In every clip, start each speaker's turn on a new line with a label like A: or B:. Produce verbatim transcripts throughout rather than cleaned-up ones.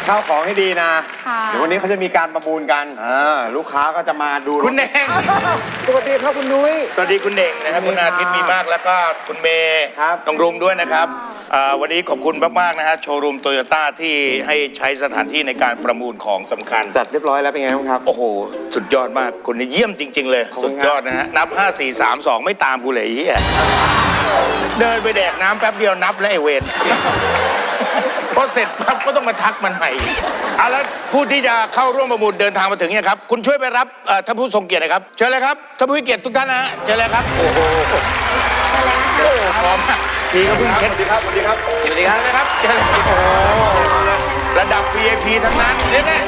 A: ข้าวของให้ดีนะเดี๋ยววันนี้เขาจะมีการประมูลกันลูกค้าก็จะมาดู
B: คุณเน่ง
A: สวัสดีครับคุณนุ้ย
B: สวัสดีคุณเน่งนะครับคุณอาทิตย์มีมากแล้วก็คุณเมย์น้องรุ้งด้วยนะครับวันนี้ขอบคุณมากๆนะฮะโชว์รูมโตโยต้าที่ให้ใช้สถานที่ในการประมูลของสำคัญ
A: จัดเรียบร้อยแล้วเป็นไงบ้างครับ
B: โอ้โหสุดยอดมากคุณนี่เยี่ยมจริงๆเลยสุดยอดนะฮะนับห้า สี่ สาม สองไม่ตามกูเลยเฮียเดินไปแดกน้ำแป๊บเดียวนับแล้วไอเวนพอเสร็จปั๊บก็ต้องมาทักมันใหม่เอาแล้วผู้ที่จะเข้าร่วมประมูลเดินทางมาถึงเนี่ยครับคุณช่วยไปรับท่านผู้ทรงเกียรตินะครับเชิญเลยครับท่านผู้เกียรติทุกท่านนะฮะเชิญเลยครับโอ้โหโอ้พร้อมพี่ก็เพิ่งเช็ดสวัสดีครับสวัสดีครับสวัสดีครับเชิญเลยครับโอ้ระดับ วี ไอ พี ทั้งนั้นเนี่ยนะ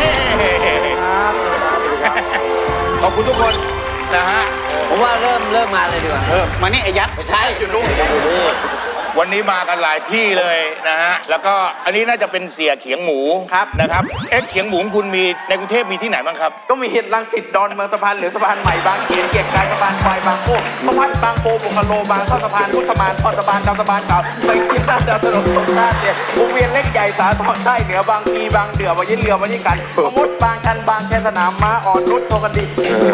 B: ขอบคุณทุกคนนะฮะ
C: ผมว่าเริ่มเริ่มมาเลยดีกว่า
B: เออมานี่ไอ้ยัด
C: ไม่ใช่อยู่นู่น
B: วันนี้มากันหลายที่เลยนะฮะแล้วก็อันนี้น่าจะเป็นเสียเขียงหมูครับนะครับเอ๊ะเขียงหมูคุณมีในกรุงเทพมีที่ไหนบ้างครับ
D: ก็มีเห็ดรังสิตดอนเมืองสะพานเหลืองสะพานใหม่บางเขนเกียรติกายสะพานควายบางโก้สะพานบางโปบุคโลบางท่อสะพานพุทธมานทอดสะพานดาวสะพานเก่าไปกินด้านดาวถนนสงขลาเนี่ยวงเวียนเล็กใหญ่สาทรใต้เหนือบางพีบางเดือวันยี่เรือวันยี่กันสมุทรบางชันบางแคสนามม้าอ่อนนุชโทกันดี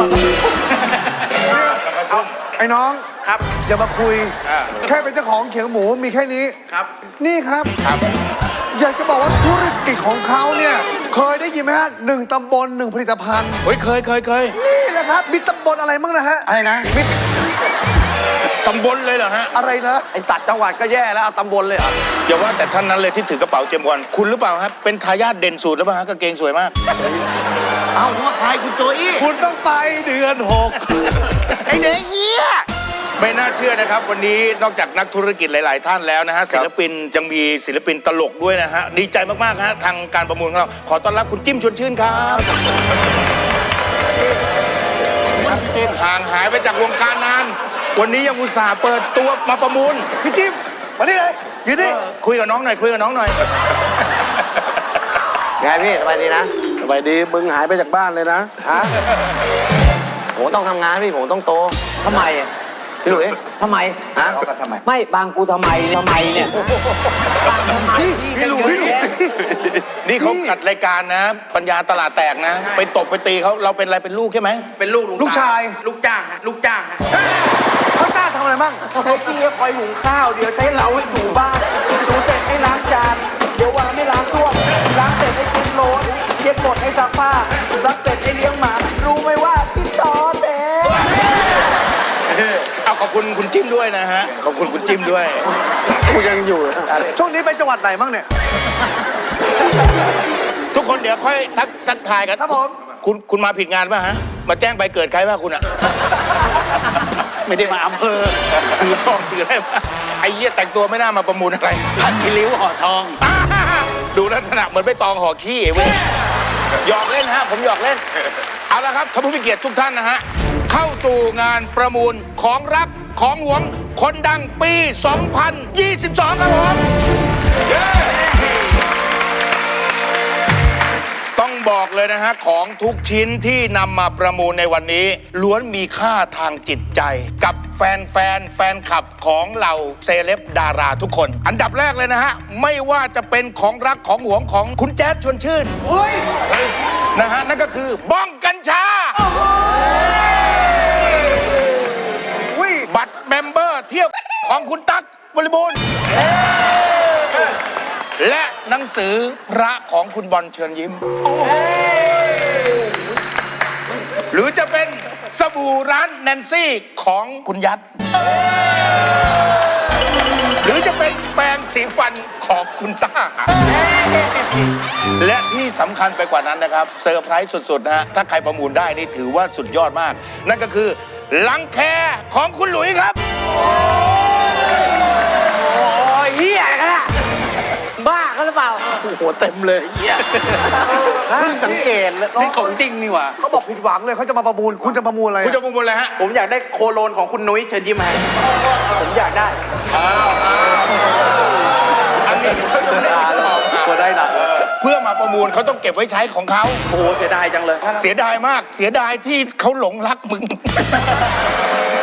A: ไอ้น้อง
D: ครับ
A: อย่ามาคุยแค่เป็นเจ้าของเขียงหมูมีแค่นี้
D: ครับ
A: นี่ครับอยากจะบอกว่าธุรกิจของเขาเนี่ยเคยได้ยินไหมฮะหนึ่งตำบลหนึ่งผลิตภัณฑ์
B: เฮ้ยเคยเคยเคย
A: นี่แหละครับมีตำบลอะไรบ้างนะฮะ
D: อะไรนะ
A: มี
B: ตำบลเลยเหรอฮะ
A: อะไรนะ
D: ไอสัตว์จังหวัดก็แย่แล้วเอาตำบลเลยเหรอ
B: อย่าว่าแต่ท่านนั้นเลยที่ถือกระเป๋าเจมส์บอลคุณหรือเปล่าครับเป็นทายาทเด่นสุดหรือเปล่าฮะกางเกงสวยมาก
D: เอ้าว่าใครคุณโจอี้
A: คุณต้องไปเดือนหกไอเด็กเหี้ย
B: ไม่น่าเชื่อนะครับวันนี้นอกจากนักธุรกิจหลายๆท่านแล้วนะฮะศิลปินยังมีศิลปินตลกด้วยนะฮะดีใจมากๆฮะทางการประมูลของเราขอต้อนรับคุณจิ้มชวนชื่นครับห่างหายไปจากวงการนานวันนี้ยังอุตส่าห์เปิดตัวมาประมูล
A: พี่จิ้มมานี่เลยยืนนี่
B: คุยกับน้องหน่อยคุยกับน้องหน่อย
C: ไงพี่สบายดีนะ
A: สบายดีมึงหายไปจากบ้านเลยนะฮะ
C: ผมต้องทำงานพี่ผมต้องโตทำไมพี่หลุยทำไมฮะไม่บางกูทำไมทำไมเนี่ย
B: พี่หลุยนี่เขาจัดรายการนะปัญญาตลาดแตกนะไปตบไปตีเขาเราเป็นอะไรเป็นลูกใช่ไหม
D: เป็นลูก
A: ลูกชาย
D: ลูกจ้างลูกจ้าง
A: เขาจ้างทำอะไรบ้าง
D: ให้พี่คอยหุงข้าวเดี๋ยวใช้เราให้ถูบ้านถูเสร็จให้ล้างจานเดี๋ยววางไม่ล้างตัวล้างเสร็จให้กินโรสเย็บหมดให้ซักผ้าซักเสร็จให้เลี้ยงหมารู้ไหมว่าพี่ต่อเด็
B: เอาขอบคุณคุณจิ้มด้วยนะฮะขอบคุณคุณจิ้มด้วย
A: กูยังอยู่ช่วงนี้ไปจังหวัดไหนบ้างเนี่ย
B: ทุกคนเดี๋ยวค่อยทักทักทายกัน
A: ครับผม
B: คุณคุณมาผิดงานป่ะฮะมาแจ้งใบเกิดใครป่ะคุณอะ
D: ไม่ได้มาอำเภอ
B: ถือทองถืออะไรไอ้เหี้ยแต่งตัวไม่น่ามาประมูลอะไร
D: ผัดขี้ริ้วห่อทอง
B: ดูลักษณะเหมือนใบตองห่อขี้เว้ยหยอกเล่นฮะผมหยอกเล่นเอาละครับท่านผู้มีเกียรติทุกท่านนะฮะเข้าสู่งานประมูลของรักของหวงคนดังปี สองพันยี่สิบสอง ครับผมต้องบอกเลยนะฮะของทุกชิ้นที่นำมาประมูลในวันนี้ล้วนมีค่าทางจิตใจกับแฟนแฟนแฟนคลับของเหล่าเซเลบดาราทุกคนอันดับแรกเลยนะฮะไม่ว่าจะเป็นของรักของหวงของคุณแจ๊ดชวนชื่นนะฮะนั่นก็คือบ้องกัญชาบัตรเมมเบอร์เที่ยวของคุณตั๊กบริบูรณ์และหนังสือพระของคุณบอลเชิญยิ้มหรือจะเป็นสบู่ร้านแนนซี่ของคุณยัดหรือจะเป็นแปรงสีฟันของคุณต้าและที่สำคัญไปกว่านั้นนะครับเซอร์ไพรส์สุดๆนะฮะถ้าใครประมูลได้นี่ถือว่าสุดยอดมากนั่นก็คือลังแคของคุณหลุยครับ
C: โอ้ยเหี้ยกันละบ้ากันหรือเปล่า
D: โอ้โหเต็มเลยเหี้ยเพิ่งสังเกตแล้วนี่ของจริงนี่หว่า
A: เขาบอกผิดหวังเลยเขาจะมาประมูลคุณจะประมูลอะไร
B: คุณจะประมูลอะไรฮะ
D: ผมอยากได้โคโลนของคุณนุ้ยเชิญยิ้มให้ผมอยากได้
B: อันนี้
D: ก็ได้นะ
B: เพื่อมาประมูลเขาต้องเก็บไว้ใช้ของเขา
D: โอ้โหเสียดายจังเลย
B: เสียดายมากเสียดายที่เขาหลงรักมึง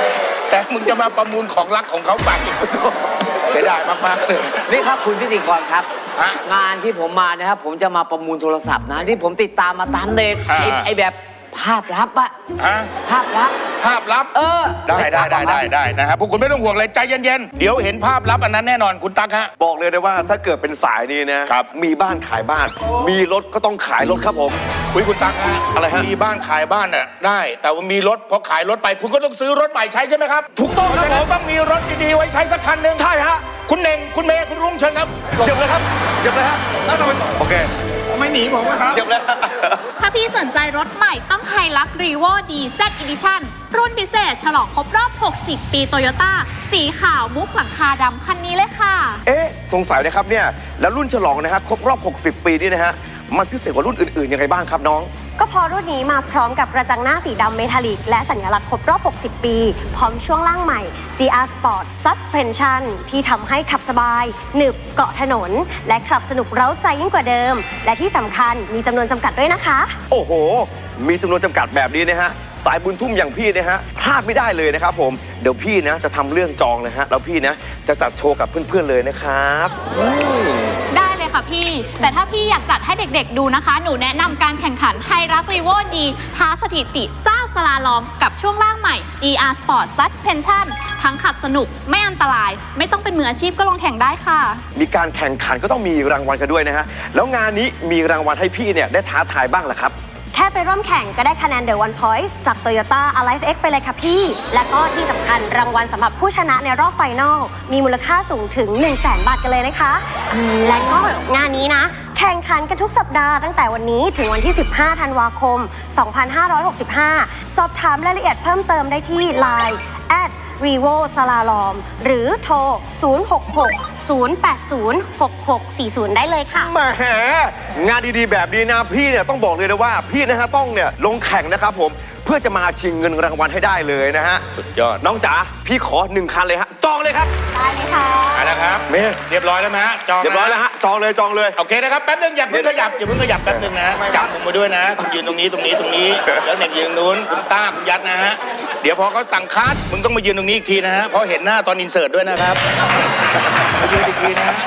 B: แต่มึงจะมาประมูลของรักของเขาไปเสียดายมากๆเลย
C: นี่ครับคุณพิธีกรครับ
B: ฮะ
C: งานที่ผมมานะครับผมจะมาประมูลโทรศัพท์นะที่ผมติดตามมาตามเน็ต
B: อ่า
C: ไอ้ไอ้แบบภาพลับอะ
B: ฮะ
C: ภาพลับ
B: ภาพลับ
C: เออ
B: ได้ได้ได้ได้ได้นะครับพวกคุณไม่ต้องห่วงเลยใจเย็นๆเดี๋ยวเห็นภาพลับอันนั้นแน่นอนคุณตั๊กฮะ
E: บอกเลยนะว่าถ้าเกิดเป็นสายนี้นะครับ มีบ้านขายบ้าน มีรถก็ต้องขายรถครับผม
B: คุยคุณตั๊กฮะ
E: อะไรฮะ
B: มีบ้านขายบ้านน่ะได้ แต่ว่ามีรถพอขายรถไปคุณก็ต้องซื้อรถใหม่ใช้ใช่ไหมครับ
E: ถูกต้องครับผม
B: ต้องมีรถดีๆไว้ใช้สักคันหนึ่ง
E: ใช่ฮะ
B: คุณเน่งคุณเมย์คุณรุ่งเชิญครับ
E: เก็บเลยครับเก็บเลยฮะแล้วทำไมโอเค
A: ไม่หนีผมนะครับ
E: เก็บเลยฮะ
F: ถ้าพี่สนใจรถใหม่ต้องไฮลักรีโวดีเซตอีดิชั่นรุ่นพิเศษฉลองครบรอบ หกสิบ ปีโตโยต้าสีขาวมุกหลังคาดำคันนี้เลยค่ะ
E: เอ๊ะสงสัยนะครับเนี่ยแล้วรุ่นฉลองนะครับครบรอบ หกสิบ ปีนี่นะฮะมันพิเศษกว่ารุ่นอื่นๆยังไงบ้างครับน้อง
G: ก็เพราะรุ่นนี้มาพร้อมกับกระจังหน้าสีดำเมทัลลิกและสัญลักษณ์ครบรอบ หกสิบ ปี พร้อมช่วงล่างใหม่ จี อาร์ Sport Suspension ที่ทำให้ขับสบาย หนึบเกาะถนน และขับสนุกเร้าใจยิ่งกว่าเดิม และที่สำคัญมีจำนวนจำกัดด้วยนะคะ
E: โอ้โห มีจำนวนจำกัดแบบนี้นะฮะสายบุญทุ่มอย่างพี่นะฮะพลาดไม่ได้เลยนะครับผมเดี๋ยวพี่นะจะทำเรื่องจองนะฮะแล้วพี่นะจะจัดโชว์กับเพื่อนๆเลยนะครับอืม
F: ได้เลยค่ะพี่ แต่ถ้าพี่อยากจัดให้เด็กๆดูนะคะ หนูแนะนำการแข่งขันไฮรักรีโวดีท้าสถิติเจ้าสลาลอมกับช่วงล่างใหม่ จี อาร์ Sport Suspension ทั้งขับสนุกไม่อันตราย ไม่ต้องเป็นมืออาชีพก็ลงแข่งได้ค่ะ
E: มีการแข่งขันก็ต้องมีรางวัลกันด้วยนะฮะแล้วงานนี้มีรางวัลให้พี่เนี่ยได้ท้าทายบ้างเหรอครับ
G: แค่ไปร่วมแข่งก็ได้คะแนน The One Point จาก Toyota Alive X ไปเลยค่ะพี่ และก็ที่สำคัญรางวัลสำหรับผู้ชนะในรอบไฟนอลมีมูลค่าสูงถึง หนึ่งแสน บาทกันเลยนะคะ และก็งานนี้นะ แข่งขันกันทุกสัปดาห์ตั้งแต่วันนี้ถึงวันที่ สิบห้า ธันวาคม สองพันห้าร้อยหกสิบห้า สอบถามรายละเอียดเพิ่มเติมได้ที่ ไลน์ แอท รีโว สลาลอม หรือโทร ศูนย์ หก หก ศูนย์ แปด ศูนย์ หก หก สี่ ศูนย์ ได้เลยค่ะ
E: แหมงานดีๆแบบนี้นะพี่เนี่ยต้องบอกเลยนะว่าพี่นะฮะต้องเนี่ยลงแข่งนะครับผมเพื่อจะมาชิงเงินรางวัลให้ได้เลยนะฮะ
B: สุดยอด
E: น้องจ๋าพี่ขอหนึ่งคันเลยฮะจองเลยครับ
G: ได้เลยค่ะ
B: เอาละครับ
E: เมย์
B: เรียบร้อยแล้วไหมฮะจองนะ
E: เรียบร้อยแล้วฮะจองเลยจองเลย
B: โอเคนะครับแป๊บนึงอย่าเพิ่งขยับอย่าเพิ่งขยับแป๊บนึงนะจับผมมาด้วยนะคุณยืนตรงนี้ตรงนี้ตรงนี้แล้วเน่งยืนตรงนู้นคุณต้าคุณยัดนะฮะเดี๋ยวพอเขาสั่งคัดมึงต้องมายืนตรงนี้อีกทีนะฮะเพราะเห็นหน้าตอนอินเสิร์ตด้วยนะครับมายืนอีกทีนะฮะ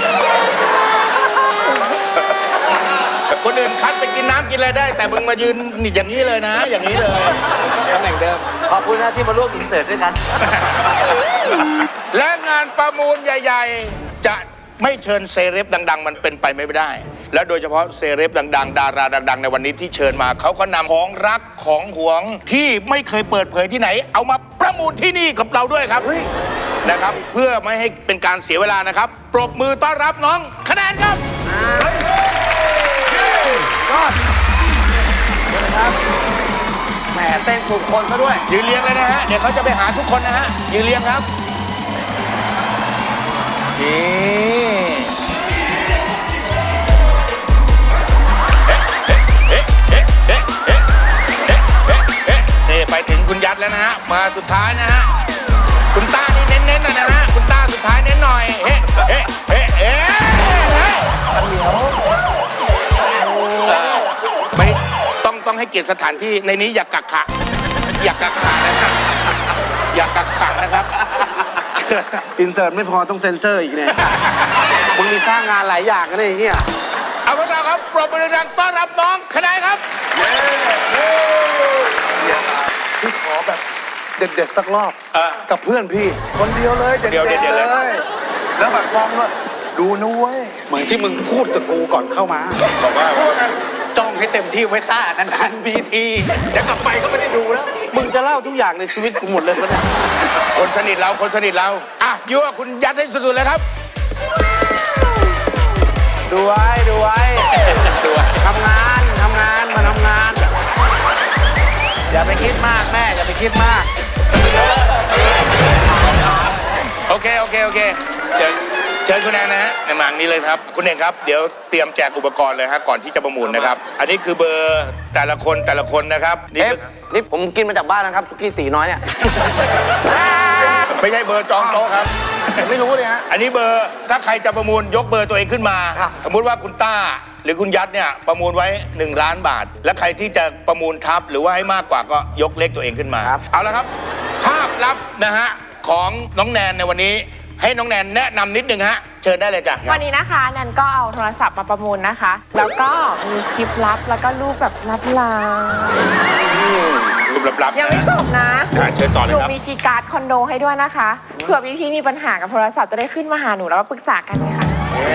B: คนอื่นคัดไปกินน้ำกินอะไรได้ แต่มึงมายืนอย่างนี้เลยนะ อย่างนี้เลย
C: ขอบคุณนะที่มาร่วมอินเสิร์ตด้วยกัน
B: และงานประมูลใหญ่ ๆ จะไม่เชิญเซเลบดัง ๆ มันเป็นไปไม่ได้ และโดยเฉพาะเซเลบดัง ๆ ดาราดัง ๆ ในวันนี้ที่เชิญมาเขาก็นำของรักของหวงที่ไม่เคยเปิดเผยที่ไหน เอามาประมูลที่นี่กับเราด้วยครับนะครับ เพื่อไม่ให้เป็นการเสียเวลานะครับ ปรบมือต้อนรับน้องคะแนนครับ
C: แหมเต้นถูกคนซะด้วย
B: ยืนเรียงเลยนะฮะ เดี๋ยวเขาจะไปหาทุกคนนะฮะ ยืนเรียงครับนี่นี่ไปถึงคุณยัดแล้วนะฮะ มาสุดท้ายนะฮะ คุณต้านี่เน้นๆหน่อยนะฮะ คุณต้าสุดท้ายเน้นหน่อย เฮ้เฮ้เฮ้เฮ้เฮ้ไม่ต้องต้องให้เกียรติสถานที่ในนี้อย่ากักขะอย่ากักขะนะครับอย่ากักขะนะครับ
A: อินเสิร์ตไม่พอต้องเซ็นเซอร์อีกเนี่ย มึงมีสร้างงานหลายอย่างกันเลยไอ้เฮีย
B: เอาพวกเราครับปรบมือดังๆต้อนรับน้องคะแนนครับ
A: พี่ขอแบบเด็ดๆสักรอบ
B: เออ
A: กับเพื่อนพี่ คนเดียวเลยเด็ด
B: เดี๋ยวเดี๋ยว
A: ๆ
B: เล
A: เลย ย แล้วแบบมองว่าดูนะเว้ย
H: เหมือนที่มึงพูดกับกูก่อนเข้ามา
B: บอกว่า
H: จ้องให้เต็มที่ไว้ต้านานๆมีทีเดี๋ยวกลับไปก็ไม่ได้ดูแล้ว
C: มึงจะเล่าทุกอย่างในชีวิตกูหมดเลยปะเนี่ย
B: คนสนิทเราคนสนิทเราอ่ะยั่วคุณยัดให้สุดๆเลยครับ
C: ดูไว้ดูไว้ทำงานทำงานมาทำงาน อย่าไปคิดมากแม่อย่าไปคิดมาก
B: โอเคโอเคโอเคเชิญเชิญคุณแอนนะฮะในหมางนี้เลยครับคุณเองครับเดี๋ยวเตรียมแจกอุปกรณ์เลยฮะก่อนที่จะประมูลนะครับ อันนี้คือเบอร์แต่ละคนแต่ละคนนะครับนี่
C: เอ๊ะ
B: คือ
C: นี่ผมกินมาจากบ้านนะครับสุกี้ตีน้อยเนี่ย
B: ไม่ใช่เบอร์จองโต๊ะครับ
C: ไม่รู้เลยฮะ
B: อันนี้เบอร์ถ้าใครจะประมูลยกเบอร์ตัวเองขึ้นมา
C: ครับ
B: สมมุติว่าคุณต้าหรือคุณยัดเนี่ยประมูลไว้หนึ่งล้านบาท และใครที่จะประมูลทับหรือว่าให้มากกว่าก็ยกเลขตัวเองขึ้นมา เอาละครับภาพลับนะฮะของน้องแนนในวันนี้ให้น้องแนนแนะนำนิดนึงฮะเชิญได้เลยจ้ะ
I: วันนี้นะคะแนนก็เอาโทรศัพท์มาประมูลนะคะ แล้วก็มีคลิปลับแล้วก็รูปแบบลับลา
B: รูปลับๆ
I: ยังไม่จบนะ
B: อ่ะเชิญต่อเล
I: ห
B: ย
I: นู
B: ครับ
I: มีคีย์การ์ดคอนโดให้ด้วยนะคะเผื่อพี่ๆมีปัญหากับโทรศัพท์จะได้ขึ้นมาหาหนูแล้วก็ปรึกษากันค่ะ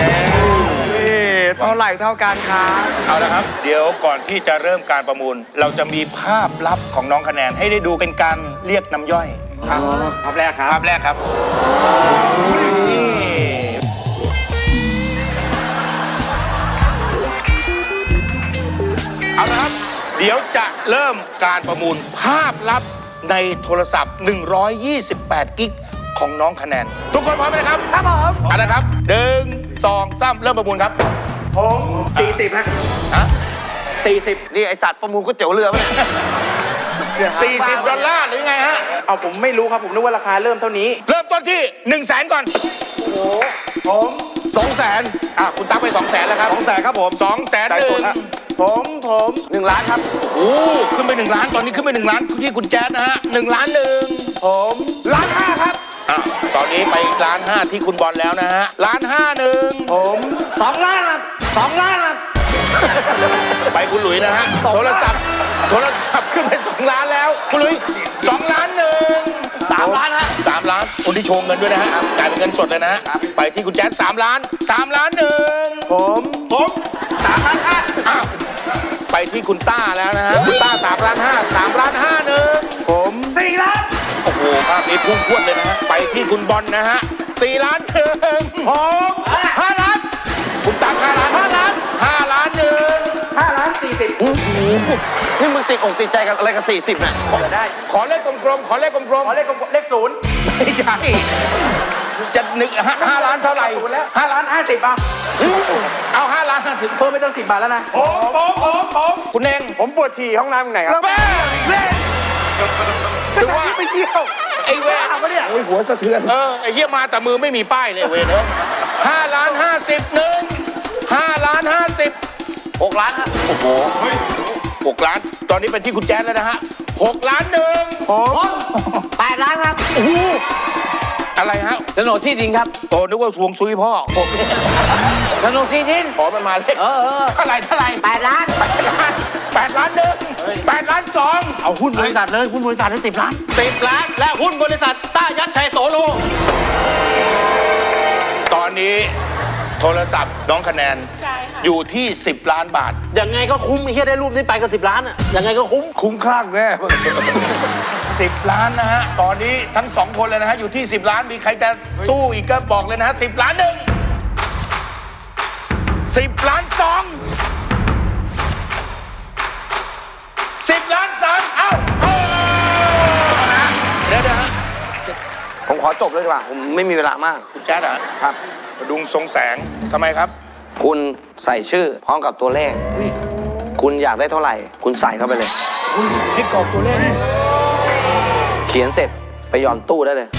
E: เท่าไหร่เท่ากันครับ
B: เอาละครับ เดี๋ยวก่อนที่จะเริ่มการประมูล เราจะมีภาพลับของน้องคะแนนให้ได้ดูเป็นการเรียกน้ำย่อย
H: ครับภาพแรกครับ
B: ภาพแรกครับนี่เอาละครับ เดี๋ยวจะเริ่มการประมูลภาพลับในโทรศัพท์ หนึ่งร้อยยี่สิบแปด กิกของน้องคะแนน ทุกคนพร้อมไหมครับ ครับผมเอาละครับหนึ่งสองสามเริ่มประมูลครับ
D: ผมสี่สิบฮะ
B: ฮะ
D: สี่สิบ
E: นี่ไอสัตว์ประมูลก๋วยเตี๋ยวเรือปะเนี่ย
B: สี่สิบดอลลาร์หรือไงฮะ
D: เอาผมไม่รู้ครับผมนึกว่าราคาเริ่มเท่านี้
B: เริ่มต้นที่1นึ่งแสนก่อน
D: โอ้ผม
B: สองแสนอ่ะคุณตั๊กไปสองแสนแล้วครับ
E: สองแสนครับผม
B: สองแสน
E: จ่าย
B: ห
E: ส
B: นึ่
E: ด
B: ง
E: ฮะ
D: ผมผม
E: หนึ่งล้านครับ
B: โอ้ขึ้นไปหนึ่งล้านตอนนี้ขึ้นไปหนึ่งล้านที่คุณแจ๊ดนะฮะหนึ่งล้านหนึ่ง
D: ผมล้านห้าครับ
B: อ่ะตอนนี้ไปอีกล้านห้าที่คุณบอลแล้วนะฮะล้านห้าหนึ่ง
D: ผมสองล้านครับสองล้านครับ
B: ไปคุณหลุยนะฮะโทรศัพท์โทรศัพท์ขึ้นไปสองล้านแล้วคุณหลุยสองล้านหนึ่ง
D: สามล้านฮะ
B: สามล้านคนที่โชว์เงินด้วยนะฮะจ่ายเป็นเงินสดเลยนะฮะไปที่คุณแจ๊ดสามล้านสามล้านหนึ่ง
D: ผมผมสามล้านห้า
B: อ้าวไปที่คุณต้าแล้วนะฮะคุณต้าสามล้านห้าสามล้านห้าหนึ่ง
D: ผมสี่ล้าน
B: โอ้โหภาพนี้พุ่งพรวดเลยนะฮะไปที่คุณบอลนะฮะสี่ล้านหนึ่ง
D: ผมห้าล้าน
B: คุณตั๊กห้าล้านห้าล้านห้าล้านหนึ่ง
D: ห้าล้านสี่สิบ
E: นี่มึงติดอกติดใจกันอะไรกับสี่สิบเนี่ย
D: จะได้
B: ขอเลขกลมๆขอเลขกลม
D: ขอเลขกลมๆเลขศูนย์
B: ๆไม่ใช่จะหนึ่งห้าห้าล้านเท่าไหร่
D: ศูนย์แล้วห้าล้านห้าสิบเอา
B: เอาห้าล้านห้าสิบ
D: เพิ่มไม่ต้องสิบบาทแล้วนะผมผมผมผม
B: คุณเอง
D: ผมปวดฉี่ห้องน้ำไหนครับ
B: แม่เล่นถึงว่า
D: ไปเที่ยว
B: ไอ้เวร
D: ปะเนี่ย
A: หัวสะเทือน
B: เออไอ้เหี้ยมาแต่มือไม่มีป้ายเลยเวรเนอะห้าล้านห้าสิบหนึ่งห้าล้านห้าสิบ
E: หกล้านฮะ
B: โอ้โหหกล้าน ตอนนี้เป็นที่คุณแจ๊ดแล้วนะฮะหกล้านหนึ่ง
D: ผมแปดล้านครับ
B: โอ้โหอะไรฮะ
C: โฉนดที่ดินครับ
B: โอ้นึกว่าทวงซุยพ่อผม
C: โฉนดที่ดิน
B: ขอมันมาเลข
C: เออเออ
B: เท่าไหร่เท่าไหร่
D: แปดล้าน
B: แปดล้านแปดล้านหนึ่งแปดล้านสอง
C: เอาหุ้นบริษัทเลยหุ้นบริษัทให้สิบล้านสิบล้าน และหุ้นบริษัทต้ายัดชัยโสโล
B: ตอนนี้โทรศัพท์น้องคะแนน
F: ใช่ค่ะ
B: อยู่ที่สิบล้านบาท
C: ยังไงก็คุ้มไอ้เฮียได้รูปนี้ไปก็สิบล้านอ่ะยังไงก็คุ้ม
A: คุ้มคลั่งแน่
B: สิบล้านนะฮะ ตอนนี้ทั้งสองคนเลยนะฮะ อยู่ที่สิบล้าน มีใครจะสู้อีกก็บอกเลยนะฮะสิบล้านหนึ่งสิบล้านสองสิบล้านสามเอ้าเอานะเดี๋ยวนะฮะ
E: ผมขอจบเลยดีกว่า ผมไม่มีเวลามาก
B: คุณแจ๊ดเหรอครับดุงทรงแสงทำไมครับ
E: คุณใส่ชื่อพร้อมกับตัวเลข คุณอยากได้เท่าไหร่ คุณใส่เข้าไปเลย
B: ให้กรอกตัวเลขนี่
E: เขียนเสร็จไปหย่อนตู้ได้เลย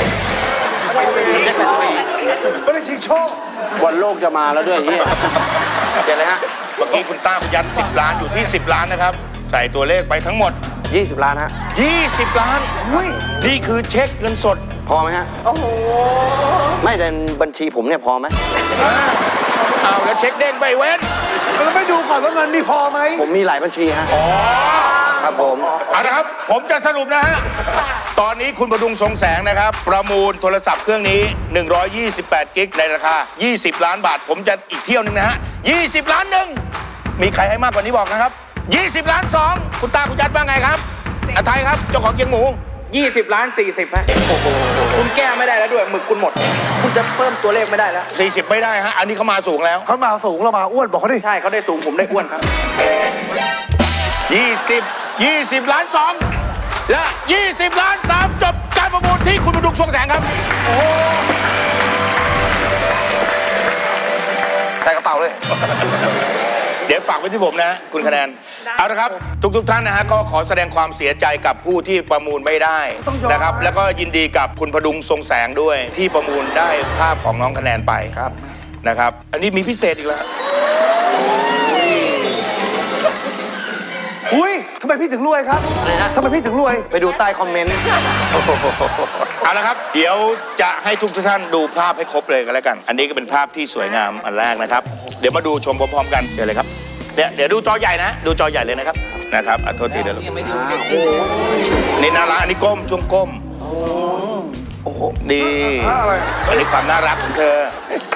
A: ไม่ได้ชิงโชค
C: บอลโลกจะมาแล้วด้วยเฮีย
E: เขียนเลยฮะ
B: เมื่อกี้คุณต้ายัดสิบล้านอยู่ที่สิบล้านนะครับ ใส่ตัวเลขไปทั้งหมด
E: ยี่สิบล้านฮะ
B: ยี่สิบล้านนี่คือเช็คเงินสด
E: พอไหมฮะ โอ้โห ไม่ในบัญชีผมเนี่ยพอไหม
B: เอาแล้วเช็คเด้งไปเว้น
A: แล้วไม่ดูก่อนว่าเงินมีพอไหม
E: ผมมีหลายบัญชีฮะ ครับผม
B: เอาละครับ ผมจะสรุปนะฮะ ตอนนี้คุณประดุงทรงแสงนะครับ ประมูลโทรศัพท์เครื่องนี้ หนึ่งร้อยยี่สิบแปด กิกในราคา ยี่สิบ ล้านบาท ผมจะอีกเที่ยวหนึงนะฮะ ยี่สิบ ล้านหนึ่ง มีใครให้มากกว่านี้บอกนะครับ ยี่สิบ ล้านสอง คุณตาคุณยัดว่าไงครับอาไทยครับ เจ้าของเกียงหมู
D: ยี่สิบล้านสี่สิบฮะคุณแก้ไม่ได้แล้วด้วยหมึกคุณหมด คุณจะเพิ่มตัวเลขไม่ได้แล้ว
B: สี่สิบ ไม่ได้ฮะ อันนี้เขามาสูงแล้ว
A: เขามาสูงเรามาอ้วนบอกเขาดิ
D: ใช่เขาได้สูงผมได้อ้วนครับ
B: ยี่สิบ ยี่สิบ ล้านสองและ ยี่สิบ ล้านสามจบการประมูลที่คุณประดุงทรงแสงครับ
E: ใส่กระเป๋าเลย
B: เดี๋ยวฝากไว้ที่ผมนะ คุณคะแนน เอาละครับ ทุกๆท่านนะฮะก็ขอแสดงความเสียใจกับผู้ที่ประมูลไม่ได้นะครับ แล้วก็ยินดีกับคุณพดุงทรงแสงด้วย ที่ประมูลได้ภาพของน้องคะแนนไปครับนะครับ อันนี้มีพิเศษอีกแล้ว น
A: อุ้ยทำไมพี่ถึงรวยครับทำไมพี่ถึงรวย
D: ไปดูใต้คอมเมนต์
B: เอาละครับ เดี๋ยวจะให้ทุกท่านดูภาพให้ครบเลยกันแล้วกัน อันนี้ก็เป็นภาพที่สวยงามอันแรกนะครับ เดี๋ยวมาดูชมพร้อมๆกันเดี๋ยวเลยครับเดี๋ยวเดี๋ยวดูจอใหญ่นะ ดูจอใหญ่เลยนะครับนะครับอ่ะโทษทีเดี๋ยวนี่น่ารักอันนี้ก้มช่วงก้มโอ้โหนี่อันนี้ความน่ารักของเธอ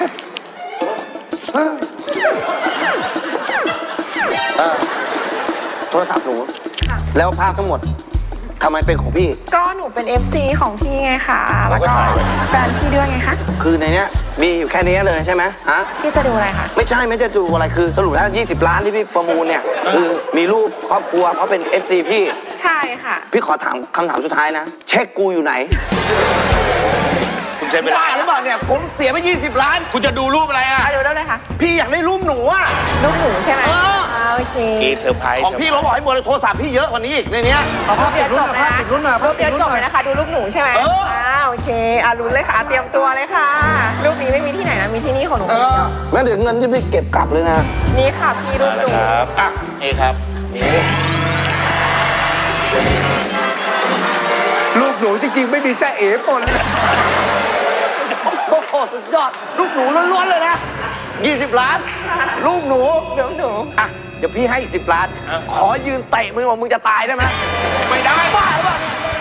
D: โทรศัพท์หนู แล้วภาพทั้งหมดทำไมเป็นของพี่
I: ก็หนูเป็น เอฟ ซี ของพี่ไงคะแล้วก็แฟนพี่ด้วยไงคะ
D: คือในเนี้ยมีอยู่แค่นี้เลยใช่ไหมฮะ
I: พี่จะดูอะไรคะ
D: ไม่ใช่ไม่จะดูอะไรคือสรุปแล้วยี่สิบล้านที่พี่ประมูลเนี่ยคือมีรูปครอบครัวเขาเป็น เอฟ ซี พี่
I: ใช่ค่ะ
D: พี่ขอถามคำถามสุดท้ายนะ เช็คกูอยู่ไหน
B: คุณใช้เวลา
D: บ้าหรือเปล่าเนี่ยผมเสียไปยี่สิบล้าน
B: คุณจะดูรูปอะไรอ่ะ
I: อ่ะดูได้เลยค่ะ
D: พี่อยากได้รูปหนูอะ
I: รูปหนูใช่ไหม
D: เออ
I: อ่าโอเค
B: กีเซอร์ไพรส์
D: ของพี่เราบอกให้หมดเลยโทรศัพท์พี่เยอะกว่านี้อีกในเนี้ย
I: รูปเดียวจบเลยนะ
A: ปิดรุ่นหน่อย
I: รูปเดียว
A: ปิดรุ่น
I: จบ
A: หน่อย
I: เลยนะคะ ดูรูปหนูใช่ไหม
D: เออ
I: อ่าโอเคอ่ะลุ้นเลยค่ะ เตรียมตัวเลยค่ะ รูปนี้ไม่มีที่ไหนนะ มีที่นี่ของหนู
D: งั้นเดี๋ยวเงินที่พี่เก็บกลับเลยนะ
I: นี่ค่ะพี่รูปหนู
B: ครับอ่ะนี่ครับ
A: ลูกหนูจริงๆไม่มีจ้าเอ๋ปนเลย
D: โอ้โหสุดยอดลูกหนูล้วนๆเลยนะยี่สิบล้านลูกหนู
I: รูปหนู
D: อ่ะเดี๋ยวพี่ให้อีกสิบล้าน ขอยืนเตะมึงว่ามึงจะตายได้ไหม
B: ไม่ได้
D: บ้าหรือเปล่าเนี่ย